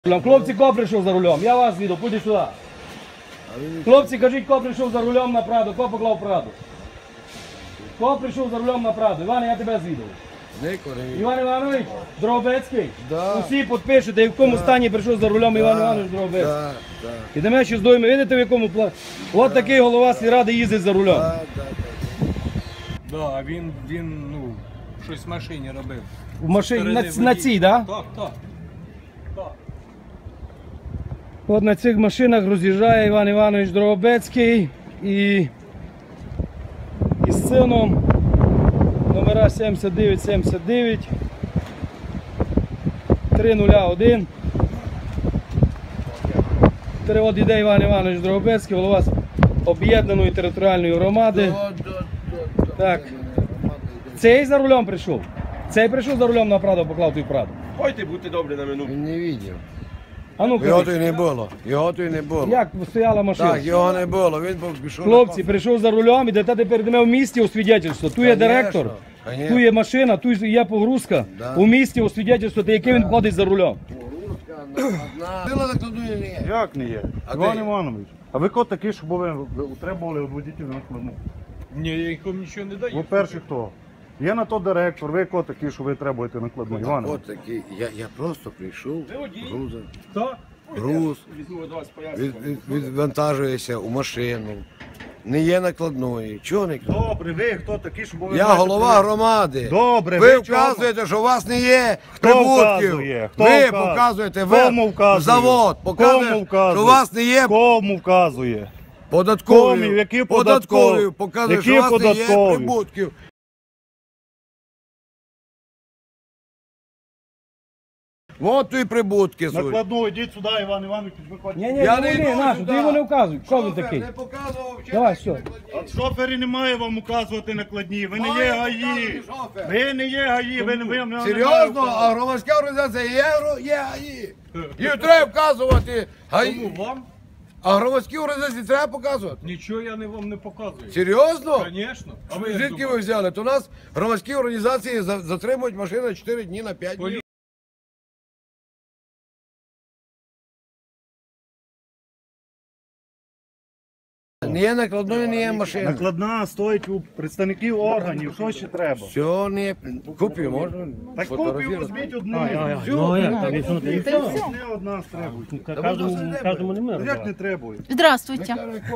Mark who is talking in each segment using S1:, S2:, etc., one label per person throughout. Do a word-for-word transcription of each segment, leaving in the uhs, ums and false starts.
S1: Хлопці, хто прийшов за рулем? Я вас віду, пойди сюди. Хлопці, кажіть, хто прийшов за рулем на Праду, хто поклав Праду? Хто прийшов за рулем на Праду? Іван, я тебе звідав. Іван Іванович, Дрогобецький?
S2: Да.
S1: Усі підпишете, в якому стані прийшов за рулем Іван Іванович Дрогобецький.
S2: Да, да.
S1: Ідемо ще з дойми, видите в якому плані? От такий голова сільради їздить за рулем.
S2: Да, да, да.
S3: Да, а він, він, ну, щось в машині робив.
S1: В машині, на,
S3: Сторони
S1: на
S3: водій.
S1: цій, так?
S3: Так, так. Так.
S1: От на цих машинах роз'їжджає Іван Іванович Дрогобецький і із сином номера сімдесят дев'ять сімдесят дев'ять три нуль один. От іде Іван Іванович Дрогобецький, голова об'єднаної територіальної громади.
S2: Да, да, да, да.
S1: Так. Цей за рулем прийшов. Цей прийшов за рулем на Праду, поклав той Праду.
S4: Пойте, будьте добрі на минуту.
S2: Він не бачив.
S1: А ну
S2: Його
S1: кажи,
S2: тут не було. Його тут не було.
S1: як стояла машина?
S2: Так, його не було. Він був пішов.
S1: Хлопці, прийшов за рулем, ідете тепер йдемо в місті у свідетельство. Тут є
S2: Конечно,
S1: директор,
S2: конечно.
S1: тут є машина, тут є погрузка.
S2: Да.
S1: У місті у свідетельство, та яке він ходить за рулем.
S2: Сила накладує не є.
S5: Як не є?
S2: А
S5: Іван
S2: де?
S5: Іванович, а ви хто такий, щоб ви утримували від водітів на складну?
S3: Ні, я їх вам нічого не даю.
S5: По-перше, хто? Є на то директор, ви хто такий, що ви требуєте накладну? Іван Іванович.
S2: От такий. Я, я просто прийшов, грузом.
S3: Так?
S2: Груз,
S4: Візьму до вас
S2: від,
S4: пояснення.
S2: від, відвантажуєшся у машину. Не є накладної. Чого не накладної?
S5: Добре, ви хто такий, щоб ви...
S2: Я
S5: знаєте,
S2: голова
S5: коли-
S2: громади.
S5: Добре,
S2: ви
S5: ви чому?
S2: вказуєте, що у вас не є
S5: Хто
S2: прибутків.
S5: вказує? Хто
S2: ви
S5: вказує?
S2: показуєте, ви
S5: Кому вказує?
S2: завод
S5: Кому
S2: показує,
S5: вказує?
S2: що у вас не є
S5: Кому вказує?
S2: податкові.
S5: Кому? Які
S2: податкові.
S5: податкові?
S2: Показує,
S5: Які
S2: що у вас не є
S5: податкові?
S2: прибутків. От тут і прибутки суть.
S5: Накладну, йдіть сюди, Іван Іванович, виходьте.
S1: Ні, ні,
S2: Я
S1: не
S2: не
S1: вони,
S2: йду
S1: нашу,
S2: сюди.
S1: ти його не вказуй. Хто він такий?
S2: Не показував вчора.
S1: Давай, все.
S5: От шофері немає вам указувати накладні, ви не
S2: Має
S5: є
S2: показувати
S5: гаї.
S2: шофер.
S5: Ви не є гаї, ви не ви не
S2: Серйозно, а громадська організація є, гро- є гаї. Їм треба вказувати. Гаї.
S3: Кому вам?
S2: А громадські організації треба показувати.
S3: Нічого я не вам не показую.
S2: Серйозно?
S3: Звісно.
S2: А ви звідки ви взяли? То у нас громадські організації за- затримують машину на чотири дні, на п'ять днів. Не є накладною, не є машина.
S5: Накладна стоїть у представників органів, що ще треба?
S2: Все, не купив, можна?
S5: Так копію
S2: фотографувати?
S5: візьміть одну.
S6: Ну, як так, якщо не
S5: І
S6: треба?
S5: все, не одна требують.
S6: Кожному, кожному не
S5: Ну,
S6: можна.
S5: як не требують?
S7: Здравствуйте.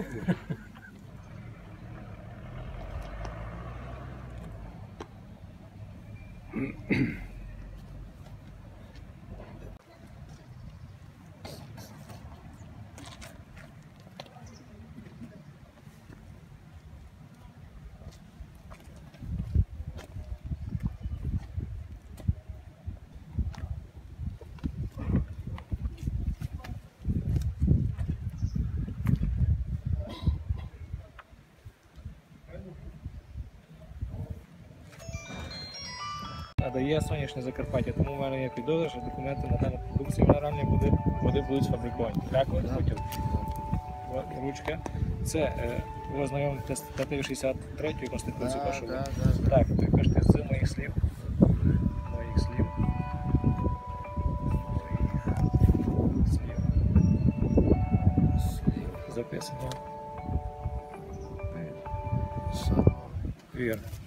S8: Надає сонячне Закарпаття, тому в мене є підозра, що документи на дану продукцію мінеральні води, води будуть сфабриковані. Дякую, хотів. Ручка. Це е, ви ознайомитесь з статтею шістдесят третьої Конституції вашої. Так, ви кажете з моїх слів. Моїх слів. Слів. Записано. Вірно.